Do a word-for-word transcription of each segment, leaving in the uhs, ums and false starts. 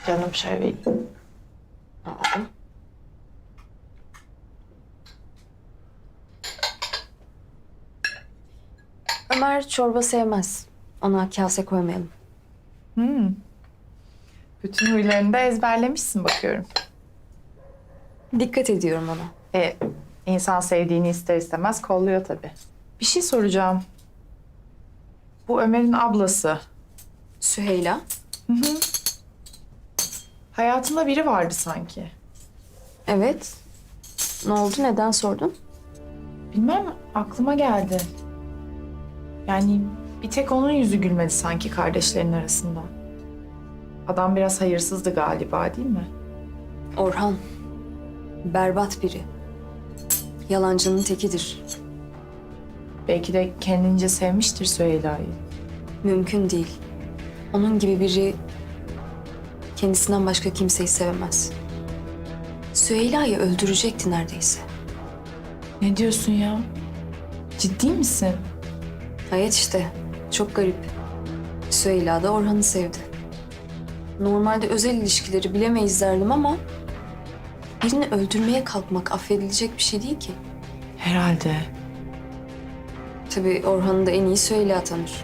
Canım şöyle. Aldım. Ömer çorba sevmez. Ona kase koymayalım. Hmm. Bütün huylarını da ezberlemişsin bakıyorum. Dikkat ediyorum ona. E, insan sevdiğini ister istemez kolluyor tabii. Bir şey soracağım. Bu Ömer'in ablası. Süheyla. Hayatında biri vardı sanki. Evet. Ne oldu? Neden sordun? Bilmem, aklıma geldi. Yani bir tek onun yüzü gülmedi sanki kardeşlerin arasında. Adam biraz hayırsızdı galiba, değil mi? Orhan. Berbat biri. Yalancının tekidir. Belki de kendince sevmiştir Süheyla'yı. Mümkün değil. Onun gibi biri kendisinden başka kimseyi sevemez. Süheyla'yı öldürecekti neredeyse. Ne diyorsun ya? Ciddi misin? Hayat işte. Çok garip. Süheyla da Orhan'ı sevdi. Normalde özel ilişkileri bilemeyiz derdim ama birini öldürmeye kalkmak affedilecek bir şey değil ki. Herhalde. Tabii Orhan'ı da en iyi Süheyla tanır.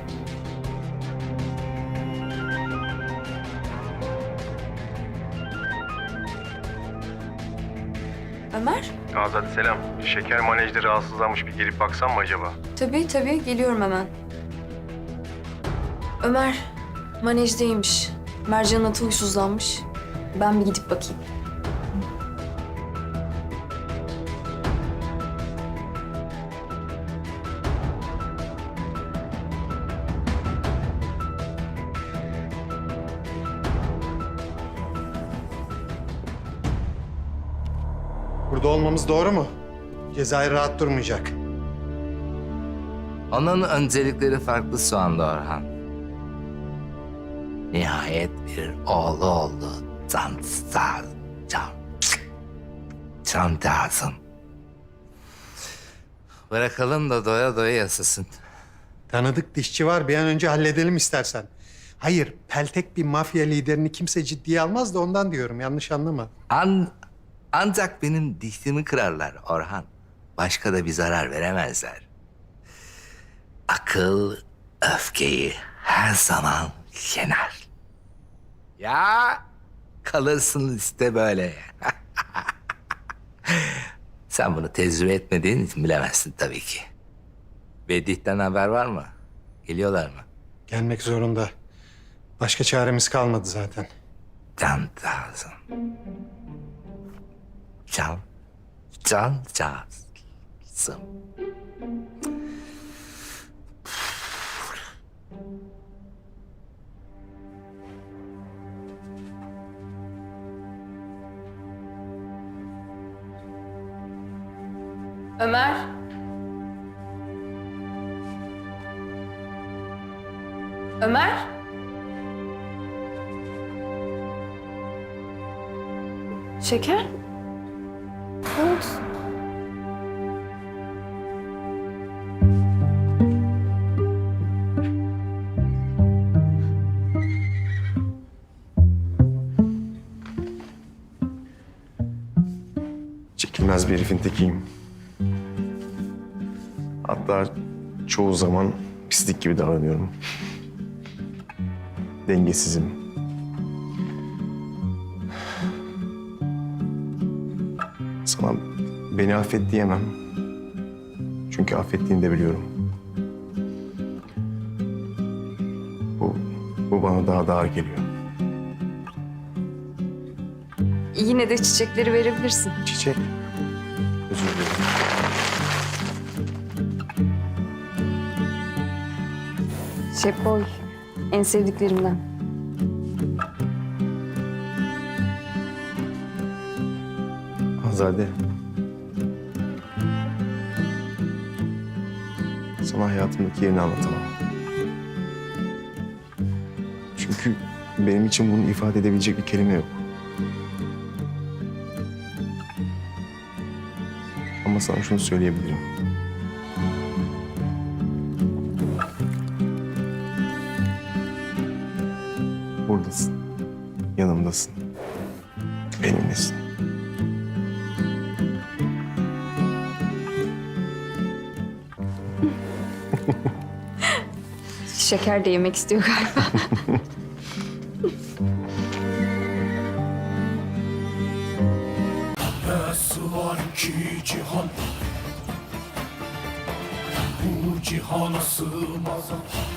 Ömer? Azat selam. Şeker manejde rahatsızlanmış, bir gelip baksam mı acaba? Tabii tabii geliyorum hemen. Ömer manejdeymiş. Mercan'ın atı huysuzlanmış. Ben bir gidip bakayım. Burada olmamız doğru mu? Cezayir rahat durmayacak. Onun öncelikleri farklı şu anda Orhan. Nihayet bir oğlu oldu. Can sağ, can, can lazım. Bırakalım da doya doya yasasın. Tanıdık dişçi var, bir an önce halledelim istersen. Hayır, peltek bir mafya liderini kimse ciddiye almaz da ondan diyorum, yanlış anlama. An, ancak benim dişimi kırarlar Orhan. Başka da bir zarar veremezler. Akıl öfkeyi her zaman yener. Ya kalırsın işte böyle. Sen bunu tecrübe etmediğin için bilemezsin tabii ki. Vedih'ten haber var mı? Geliyorlar mı? Gelmek zorunda. Başka çaremiz kalmadı zaten. Can lazım. Can, can lazım. Ömer. Ömer. Şeker? Ne oldu? Çekilmez bir herifin tekiyim. Hatta çoğu zaman pislik gibi davranıyorum. Dengesizim. Sana beni affet diyemem. Çünkü affettiğini de biliyorum. Bu, bu bana daha da ağır geliyor. Yine de çiçekleri verebilirsin. Çiçek. Özür dilerim. Şepoy. En sevdiklerimden. Azade. Sana hayatımdaki yerini anlatamam. Çünkü benim için bunu ifade edebilecek bir kelime yok. Ama sana şunu söyleyebilirim. Buradasın. yanımdasın. Benimlesin. Şeker de yemek istiyor galiba. Nasıl var ki cihan, bu cihana sığmaz.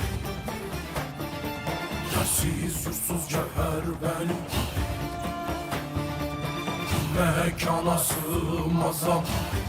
Yersiz yursuz cevher benim, mekana sığmaz.